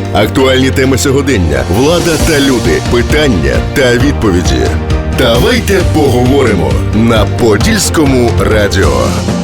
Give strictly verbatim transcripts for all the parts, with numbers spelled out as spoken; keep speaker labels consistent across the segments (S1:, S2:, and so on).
S1: Актуальні теми сьогодення, влада та люди, питання та відповіді. Давайте поговоримо на Подільському радіо.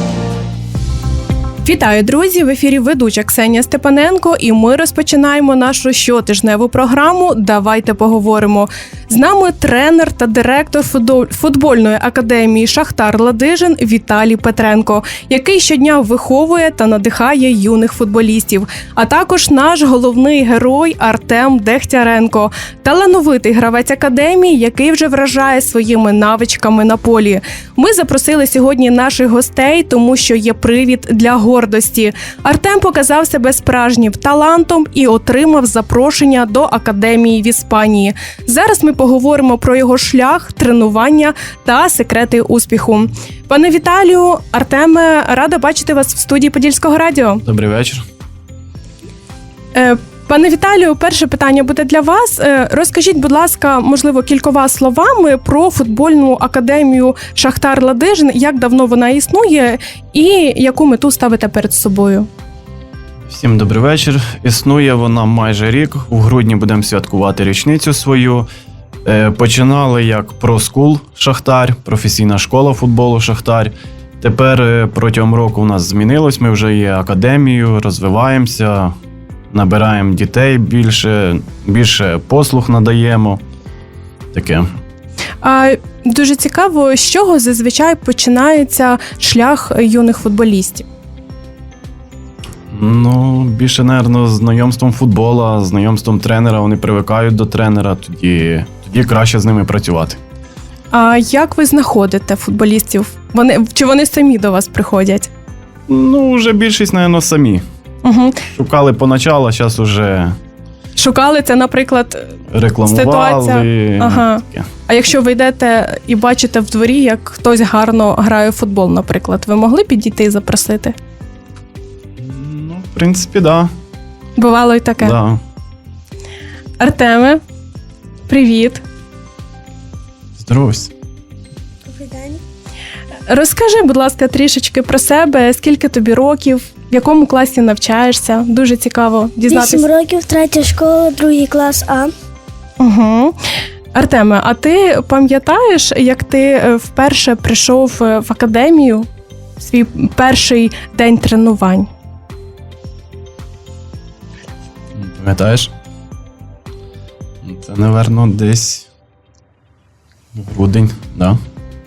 S2: Вітаю, друзі! В ефірі ведуча Ксенія Степаненко, і ми розпочинаємо нашу щотижневу програму «Давайте поговоримо». З нами тренер та директор футбольної академії «Шахтар Ладижин» Віталій Петренко, який щодня виховує та надихає юних футболістів. А також наш головний герой Артем Дегтяренко, талановитий гравець академії, який вже вражає своїми навичками на полі. Ми запросили сьогодні наших гостей, тому що є привід для гордості. Артем показав себе справжнім талантом і отримав запрошення до академії в Іспанії. Зараз ми поговоримо про його шлях, тренування та секрети успіху. Пане Віталію, Артеме, рада бачити вас в студії Подільського радіо.
S3: Добрий вечір.
S2: Е, Пане Віталію, перше питання буде для вас. Розкажіть, будь ласка, можливо, кількома словами про футбольну академію «Шахтар Ладижин», як давно вона існує і яку мету ставите перед собою?
S3: Всім добрий вечір. Існує вона майже рік. У грудні будемо святкувати річницю свою. Починали як про-скул «Шахтар», професійна школа футболу «Шахтар». Тепер протягом року у нас змінилось, ми вже є академією, розвиваємося, набираємо дітей більше, більше послуг надаємо. Таке.
S2: А дуже цікаво, з чого зазвичай починається шлях юних футболістів?
S3: Ну, більше, мабуть, знайомством футбола, знайомством тренера. Вони привикають до тренера, тоді, тоді краще з ними працювати.
S2: А як ви знаходите футболістів? Вони, чи вони самі до вас приходять?
S3: Ну, вже більшість, мабуть, самі.
S2: Угу.
S3: Шукали поначалу, а зараз вже...
S2: Шукали це, наприклад,
S3: рекламували.
S2: Ситуація. Ага. А якщо ви йдете і бачите в дворі, як хтось гарно грає в футбол, наприклад, ви могли підійти і запросити?
S3: Ну, в принципі, да.
S2: Бувало і таке?
S3: Да.
S2: Артеме, привіт.
S3: Здоровсь.
S4: Добрий день.
S2: Розкажи, будь ласка, трішечки про себе, скільки тобі років, в якому класі навчаєшся? Дуже цікаво дізнатися.
S4: Вісім років, третя школа, другий клас А.
S2: Угу. Артеме, а ти пам'ятаєш, як ти вперше прийшов в академію, свій перший день тренувань?
S3: Пам'ятаєш? Це, напевно, десь грудень, да?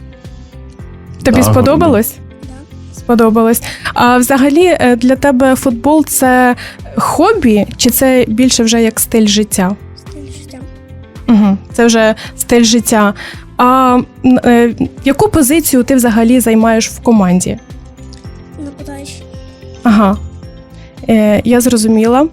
S2: Тобі
S3: да,
S2: сподобалось?
S4: Да.
S2: Сподобалось. А взагалі для тебе футбол – це хобі, чи це більше вже як стиль життя?
S4: Стиль життя.
S2: Угу. Це вже стиль життя. А е, яку позицію ти взагалі займаєш в команді?
S4: Нападаючий.
S2: Ага, е, я зрозуміла.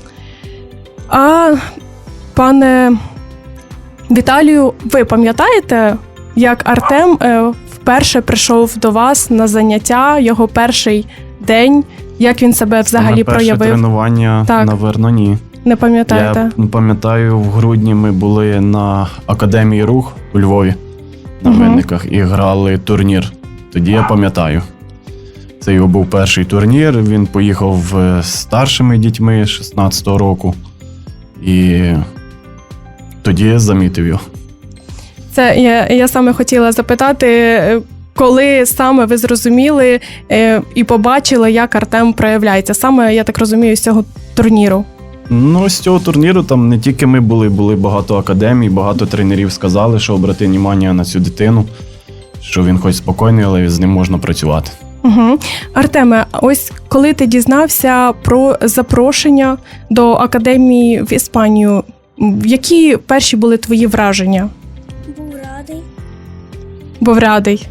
S2: А, пане Віталію, ви пам'ятаєте, як Артем е, вперше прийшов до вас на заняття, його перший день, як він себе взагалі
S3: на перше
S2: проявив?
S3: тренування,
S2: Так.
S3: напевно, ні.
S2: Не пам'ятаєте?
S3: Я пам'ятаю, в грудні ми були на Академії Рух у Львові, на
S2: Угу.
S3: Винниках, і грали турнір. Тоді я пам'ятаю. Це його був перший турнір, він поїхав з старшими дітьми шістнадцятого року. І тоді я замітив його.
S2: Це я, я саме хотіла запитати, коли саме ви зрозуміли е, і побачили, як Артем проявляється? Саме, я так розумію, з цього турніру.
S3: Ну, з цього турніру там не тільки ми були, були багато академій, багато тренерів сказали, що обрати увагу на цю дитину, що він хоч спокійний, але з ним можна працювати.
S2: Угу. Артеме, ось коли ти дізнався про запрошення до академії в Іспанію, які перші були твої враження?
S4: Був радий.
S2: Був радий.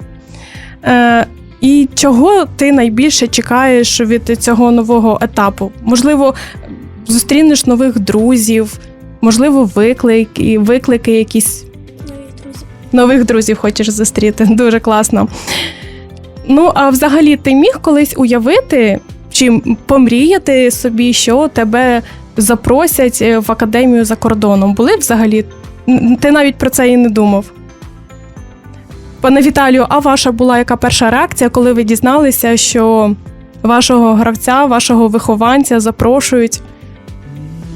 S2: Е, і чого ти найбільше чекаєш від цього нового етапу? Можливо, зустрінеш нових друзів, можливо, виклики, виклики якісь.
S4: Нових друзів.
S2: Нових друзів хочеш зустріти. Дуже класно. Ну, а взагалі, ти міг колись уявити, чи помріяти собі, що тебе запросять в академію за кордоном? Були взагалі? Ти навіть про це і не думав. Пане Віталію, а ваша була яка перша реакція, коли ви дізналися, що вашого гравця, вашого вихованця запрошують?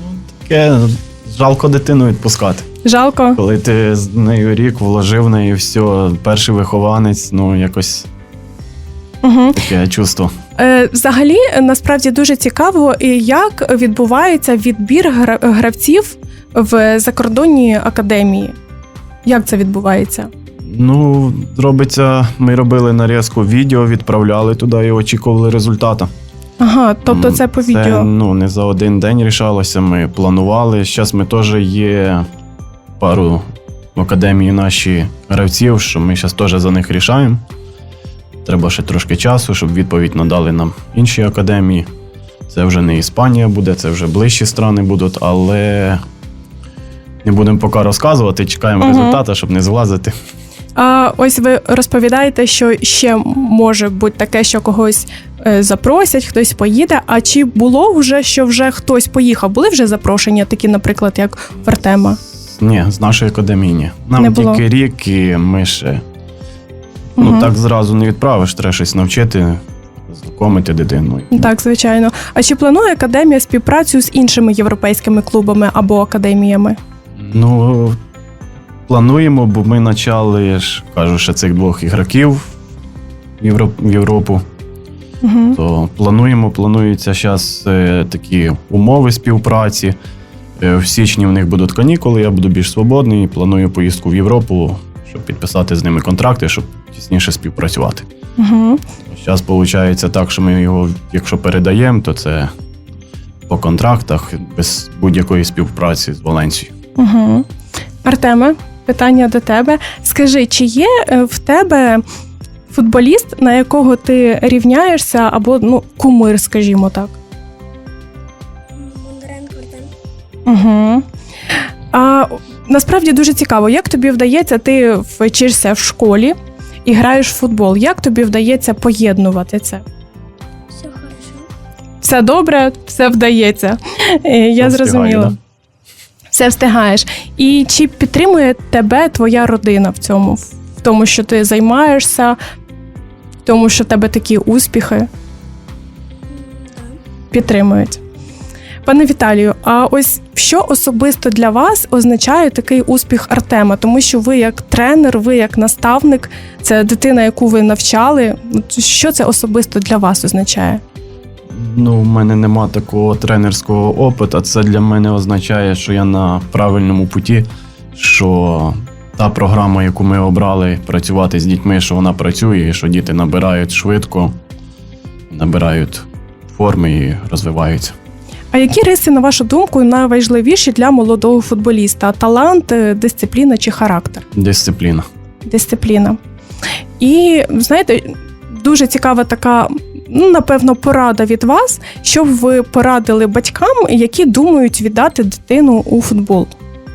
S3: Таке жалко дитину відпускати.
S2: Жалко?
S3: Коли ти з нею рік вложив в неї все, перший вихованець, ну якось
S2: Угу.
S3: таке чувство.
S2: Е, взагалі, насправді дуже цікаво, і як відбувається відбір гра- гравців в закордонній академії. Як це відбувається?
S3: Ну, робиться, ми робили нарізку відео, відправляли туди і очікували результату.
S2: Ага, тобто
S3: М,
S2: це по відео.
S3: Ну, не за один день рішалося, ми планували. Зараз ми теж є пару в академії наші гравців, що ми зараз теж за них рішаємо. Треба ще трошки часу, щоб відповідь надали нам інші академії. Це вже не Іспанія буде, це вже ближчі страни будуть, але не будемо поки розказувати, чекаємо
S2: Мгм.
S3: результату, щоб не злазити.
S2: А ось ви розповідаєте, що ще може бути таке, що когось е, запросять, хтось поїде. А чи було вже, що вже хтось поїхав? Були вже запрошення, такі, наприклад, як в Артема?
S3: Ні, з нашої академії ні. Нам
S2: Не було.
S3: тільки рік, і ми ще ну,
S2: Мгм.
S3: так зразу не відправиш, треба щось навчити, знайомити дитину.
S2: Так, звичайно. А чи планує академія співпрацю з іншими європейськими клубами або академіями?
S3: Ну, плануємо, бо ми почали, ж, кажу, ще цих двох ігроків в, Євро... в Європу.
S2: Угу.
S3: То плануємо, плануються зараз е, такі умови співпраці. Е, в січні в них будуть канікули, я буду більш свободний. Планую поїздку в Європу, щоб підписати з ними контракти, щоб тісніше співпрацювати.
S2: Угу.
S3: Зараз виходить так, що ми його, якщо передаємо, то це по контрактах, без будь-якої співпраці з Валенсією.
S2: Угу. Артеме, питання до тебе. Скажи, чи є е, в тебе футболіст, на якого ти рівняєшся, або ну, кумир, скажімо так?
S4: Бондаренко Артем.
S2: Угу. А насправді дуже цікаво, як тобі вдається, ти вчишся в школі і граєш в футбол. Як тобі вдається поєднувати це?
S4: Все хорошо.
S2: Все добре, все вдається. Е, Я
S3: Все
S2: зрозуміла.
S3: встигаю, да?
S2: Все встигаєш. І чи підтримує тебе твоя родина в цьому, в тому, що ти займаєшся, в тому, що в тебе такі успіхи?
S4: М, Так.
S2: Підтримують. Пане Віталію, а ось що особисто для вас означає такий успіх Артема? Тому що ви як тренер, ви як наставник, це дитина, яку ви навчали. От що це особисто для вас означає?
S3: Ну, в мене нема такого тренерського опиту. Це для мене означає, що я на правильному путі, що та програма, яку ми обрали працювати з дітьми, що вона працює, і що діти набирають швидко, набирають форми і розвиваються.
S2: А які риси, на вашу думку, найважливіші для молодого футболіста? Талант, е, дисципліна чи характер?
S3: Дисципліна.
S2: Дисципліна. І, знаєте, дуже цікава така, ну, напевно, порада від вас, щоб ви порадили батькам, які думають віддати дитину у футбол.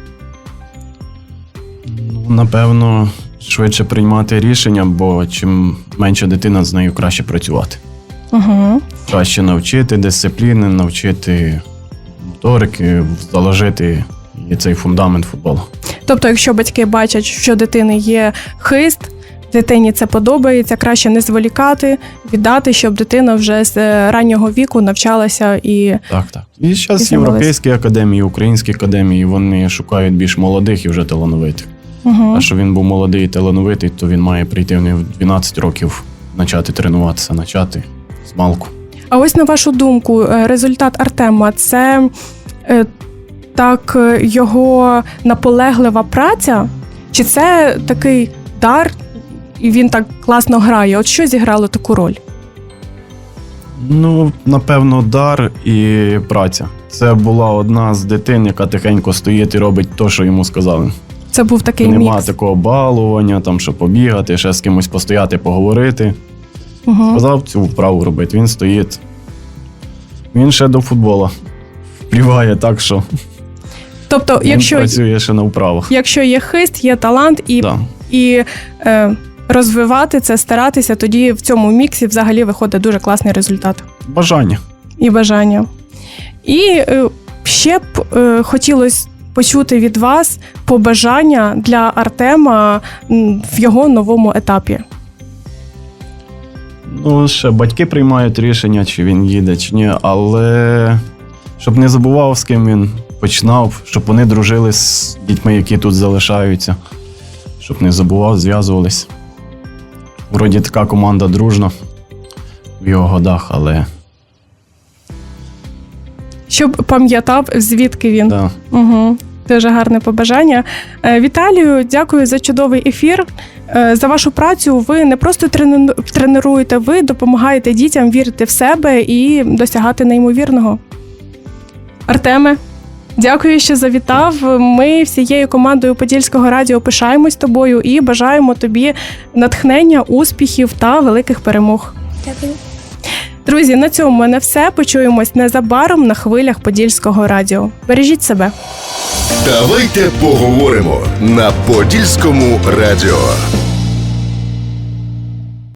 S3: Ну, напевно, швидше приймати рішення, бо чим менше дитина, з нею краще працювати.
S2: Угу.
S3: Краще навчити дисципліни, навчити моторики, заложити і цей фундамент футболу.
S2: Тобто, якщо батьки бачать, що дитини є хист, дитині це подобається, краще не зволікати, віддати, щоб дитина вже з е, раннього віку навчалася і
S3: Так, так. І
S2: І
S3: зараз
S2: займалися.
S3: європейські академії, українські академії, вони шукають більш молодих і вже талановитих.
S2: угу.
S3: А щоб він був молодий і талановитий, то він має прийти в них в дванадцять років, почати тренуватися, почати з малку.
S2: А ось на вашу думку, е, результат Артема – це е, так е, його наполеглива праця, чи це такий дар, і він так класно грає? От що зіграло таку роль?
S3: Ну, напевно, дар і праця. Це була одна з дитин, яка тихенько стоїть і робить те, що йому сказали.
S2: Це був такий
S3: Нема
S2: мікс.
S3: такого балування, там, що побігати, ще з кимось постояти, поговорити.
S2: Угу.
S3: Сказав цю вправу робити, він стоїть. Він ще до футбола впливає так, що
S2: Тобто,
S3: він
S2: якщо,
S3: працює ще на вправах.
S2: якщо є хист, є талант і,
S3: Да.
S2: і е, розвивати це, старатися, тоді в цьому міксі взагалі виходить дуже класний результат.
S3: Бажання.
S2: І бажання. І е, ще б е, хотілося почути від вас побажання для Артема м, в його новому етапі.
S3: Ну, ще батьки приймають рішення, чи він їде, чи ні, але щоб не забував, з ким він починав, щоб вони дружили з дітьми, які тут залишаються, щоб не забував, зв'язувались. Вроді така команда дружна в його годах, але
S2: Щоб пам'ятав, звідки він.
S3: да.
S2: Угу. Дуже гарне побажання. Е, Віталію, дякую за чудовий ефір. Е, За вашу працю ви не просто трену- тренуєте, ви допомагаєте дітям вірити в себе і досягати неймовірного. Артеме, дякую, що завітав. Ми всією командою Подільського радіо пишаємось тобою і бажаємо тобі натхнення, успіхів та великих перемог.
S4: Дякую.
S2: Друзі, на цьому в мене все. Почуємось незабаром на хвилях Подільського радіо. Бережіть себе.
S1: Давайте поговоримо на Подільському радіо.